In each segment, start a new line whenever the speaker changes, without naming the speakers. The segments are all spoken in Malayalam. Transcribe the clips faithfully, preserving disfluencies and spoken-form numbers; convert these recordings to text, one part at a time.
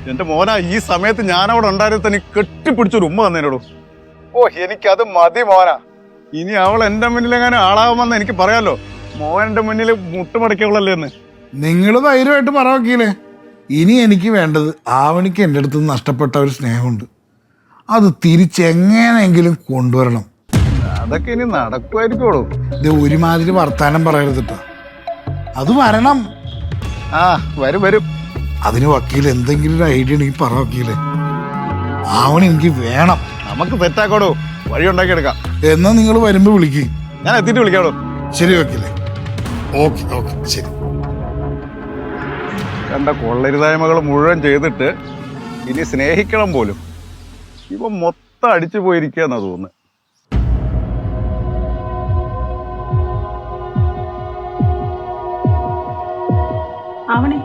എന്റെ മോനാ, ഈ സമയത്ത് ഞാൻ അവിടെ ഉണ്ടായിരുന്ന തന്നെ കെട്ടിപ്പിടിച്ചൊരു ഉമ്മ തന്നേനോടു. ഓ, എനിക്കത് മതി മോനാ. ഇനി അവൾ എന്റെ മുന്നിൽ എങ്ങനെ ആളാവുമെന്ന് എനിക്ക് പറയാലോ. മോൻ എന്റെ മുന്നിൽ മുട്ടുമടക്കിയവളല്ലേ എന്ന്.
നിങ്ങൾ ധൈര്യമായിട്ട് പറ വക്കീലേ. ഇനി എനിക്ക് വേണ്ടത് ആവണിക്ക് എൻ്റെ അടുത്ത് നഷ്ടപ്പെട്ട ഒരു സ്നേഹമുണ്ട്, അത് തിരിച്ചെങ്ങനെയെങ്കിലും കൊണ്ടുവരണം.
അതൊക്കെ ഇനി നടക്കുമായിരിക്കോളൂ.
ഇത് ഒരുമാതിരി വർത്താനം പറയരുതിട്ടാ, അത് വരണം.
ആ വരും വരും.
അതിന് വക്കീൽ എന്തെങ്കിലും ഒരു ഐഡിയ ഉണ്ടെങ്കിൽ പറ വക്കീലേ. ആവണി എനിക്ക് വേണം.
നമുക്ക് തെറ്റാക്കോടൂ, വഴി ഉണ്ടാക്കിയെടുക്കാം.
എന്നാ നിങ്ങൾ വരുമ്പോ വിളിക്ക്,
ഞാൻ എത്തിയിട്ട് വിളിക്കാടോ.
ശരി വക്കീലേ. ഓക്കെ ഓക്കെ ശരി.
കണ്ട കൊള്ളരുതായ്മകൾ മുഴുവൻ ചെയ്തിട്ട് ഇനി സ്നേഹിക്കണം പോലും ഇവ മൊത്തം അടിച്ചു പോയിരിക്കുക എന്നാ തോന്നുന്നു.
ആവണേ,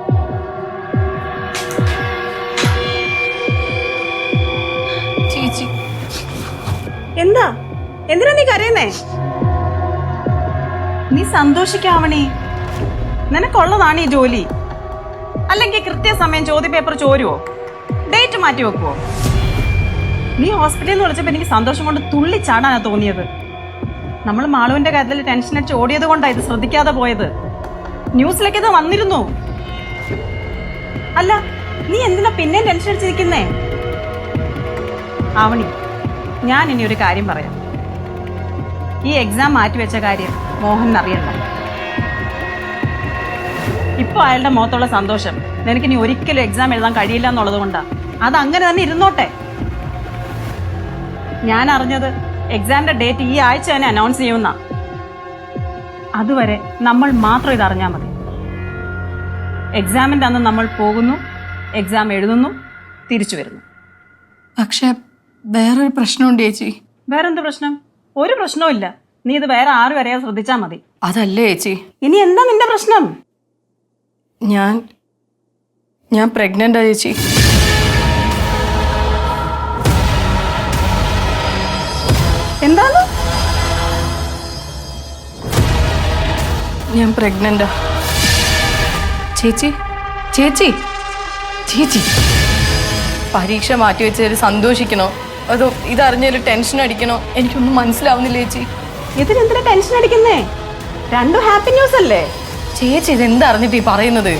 ചേച്ചി
എന്താ എന്തിനാ നീ കരയുന്നേ? നീ സന്തോഷിക്കാവണേ, നിനക്കുള്ളതാണ് ഈ ജോലി. അല്ലെങ്കിൽ കൃത്യസമയം ചോദ്യ പേപ്പർ ചോരുവോ, ഡേറ്റ് മാറ്റി വെക്കുവോ? നീ ഹോസ്പിറ്റലിൽ നിന്ന് വിളിച്ചപ്പോ എനിക്ക് സന്തോഷം കൊണ്ട് തുള്ളിച്ചാടാനാ തോന്നിയത്. നമ്മൾ മാളുവിന്റെ കാര്യത്തിൽ ടെൻഷൻ അടിച്ച് ഓടിയത് കൊണ്ടാണ് ഇത് ശ്രദ്ധിക്കാതെ പോയത്. ന്യൂസിലേക്ക് ഇത് വന്നിരുന്നു. അല്ല, നീ എന്തിനാ പിന്നെയും ടെൻഷൻ അടിച്ചിരിക്കുന്നേ? ആവണി, ഞാൻ ഇനി ഒരു കാര്യം പറയാം. ഈ എക്സാം മാറ്റിവെച്ച കാര്യം മോഹൻ അറിയണ്ട. ഇപ്പൊ അയാളുടെ മുഖത്തുള്ള സന്തോഷം നിനക്ക് ഇനി ഒരിക്കലും എക്സാം എഴുതാൻ കഴിയില്ല എന്നുള്ളത് കൊണ്ടാ. അത് അങ്ങനെ തന്നെ ഇരുന്നോട്ടെ. ഞാൻ അറിഞ്ഞത് എക്സാമിന്റെ ഡേറ്റ് ഈ ആഴ്ച തന്നെ അനൗൺസ് ചെയ്യുന്ന. അതുവരെ നമ്മൾ മാത്രം ഇത് അറിഞ്ഞാൽ മതി. എക്സാമിന്റെ അന്ന് നമ്മൾ പോകുന്നു, എക്സാം എഴുതുന്നു, തിരിച്ചു വരുന്നു.
പക്ഷെ വേറൊരു പ്രശ്നമുണ്ട് ചേച്ചി.
വേറെന്ത് പ്രശ്നം? ഒരു പ്രശ്നവും ഇല്ല. നീ ഇത് വേറെ ആരും അറിയാതെ ശ്രദ്ധിച്ചാ മതി.
അതല്ലേ ചേച്ചി,
ഇനി എന്താ നിന്റെ പ്രശ്നം?
ഞാൻ ഞാൻ പ്രഗ്നന്റാ ചേച്ചി.
എന്താണ്?
ഞാൻ പ്രഗ്നന്റാ ചേച്ചി. ചേച്ചി ചേച്ചി പരീക്ഷ മാറ്റി വെച്ചതിൽ സന്തോഷിക്കണോ അതോ ഇതറിഞ്ഞതിൽ ടെൻഷൻ അടിക്കണോ എനിക്കൊന്നും മനസ്സിലാവുന്നില്ല ചേച്ചി.
ഇതിനെന്തിനാ ടെൻഷൻ അടിക്കുന്നേ? രണ്ടും ഹാപ്പി ന്യൂസ് അല്ലേ?
ചേച്ചി ഇതെന്തറിഞ്ഞിട്ട് ഈ പറയുന്നത്?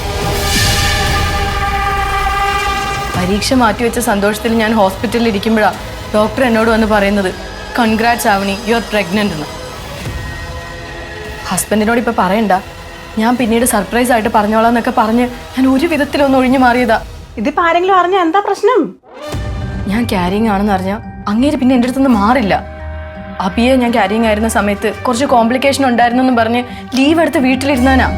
പരീക്ഷ മാറ്റിവെച്ച സന്തോഷത്തിൽ ഞാൻ ഹോസ്പിറ്റലിൽ ഇരിക്കുമ്പോഴാണ് ഡോക്ടർ എന്നോട് വന്ന് പറയുന്നത്, congrats Avani, you are pregnant എന്ന്. ഹസ്ബൻഡിനോട് ഇപ്പൊ പറയണ്ട, ഞാൻ പിന്നീട് സർപ്രൈസ് ആയിട്ട് പറഞ്ഞോളാം എന്നൊക്കെ പറഞ്ഞ് ഞാൻ ഒരു വിധത്തിലൊന്ന് ഒഴിഞ്ഞു മാറിയതാ.
ഇതിപ്പോ ആരെങ്കിലും അറിഞ്ഞ എന്താ പ്രശ്നം?
ഞാൻ ക്യാരിങ് ആണെന്ന് അറിഞ്ഞാൽ അങ്ങേര് പിന്നെ എൻ്റെ അടുത്തുനിന്ന് മാറില്ല. അബിയെ ഞാൻ ക്യാരിങ് ആയിരുന്ന സമയത്ത് കുറച്ച് കോംപ്ലിക്കേഷൻ ഉണ്ടായിരുന്നു എന്ന് പറഞ്ഞ് ലീവ് എടുത്ത് വീട്ടിലിരുന്നാനാ.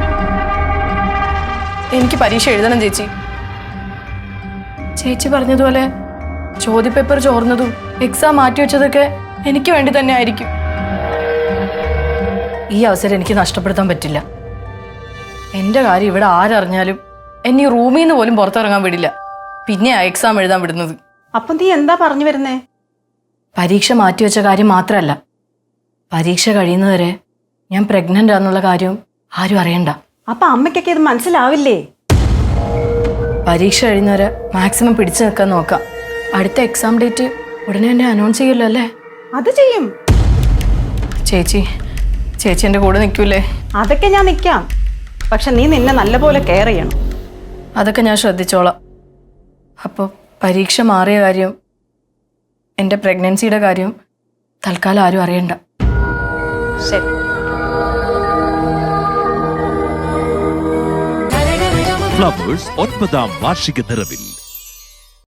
എനിക്ക് പരീക്ഷ എഴുതണം ചേച്ചി. ചേച്ചി പറഞ്ഞതുപോലെ ചോദ്യപേപ്പർ ചോർന്നതും എക്സാം മാറ്റിവെച്ചതൊക്കെ എനിക്ക് വേണ്ടി തന്നെ ആയിരിക്കും. ഈ അവസരം എനിക്ക് നഷ്ടപ്പെടുത്താൻ പറ്റില്ല. എൻ്റെ കാര്യം ഇവിടെ ആരറിഞ്ഞാലും എന്നെ ഈ റൂമിൽ നിന്ന് പോലും പുറത്തിറങ്ങാൻ വിടില്ല. പിന്നെയാ എക്സാം എഴുതാൻ വിടുന്നത്.
അപ്പൊ നീ എന്താ പറഞ്ഞു വരുന്നേ?
പരീക്ഷ മാറ്റിവെച്ച കാര്യം മാത്രമല്ല, പരീക്ഷ കഴിയുന്നവരെ ഞാൻ പ്രഗ്നന്റ് ആണെന്നുള്ള കാര്യം ആരും അറിയണ്ട.
അപ്പൊ അമ്മയ്ക്കൊക്കെ ഇത് മനസ്സിലാവില്ലേ?
പരീക്ഷ കഴിയുന്നവരെ മാക്സിമം പിടിച്ചു നിൽക്കാൻ നോക്കാം. അടുത്ത എക്സാം ഡേറ്റ് ഉടനെ തന്നെ അനൗൺസ് ചെയ്യല്ലോ അല്ലേ?
അത് ചെയ്യും.
ചേച്ചി ചേച്ചി എൻ്റെ കൂടെ നിൽക്കൂലേ?
അതൊക്കെ ഞാൻ നിൽക്കാം. പക്ഷെ നീ നിന്നെ നല്ലപോലെ കെയർ ചെയ്യണം.
അതൊക്കെ ഞാൻ ശ്രദ്ധിച്ചോളാം. അപ്പോൾ പരീക്ഷ മാറിയ കാര്യം, എൻ്റെ പ്രഗ്നൻസിയുടെ കാര്യം തൽക്കാലം ആരും അറിയണ്ട.
ശരി.
ഫ്ലവേഴ്സ് ഒൻപതാം വാർഷിക നിറവിൽ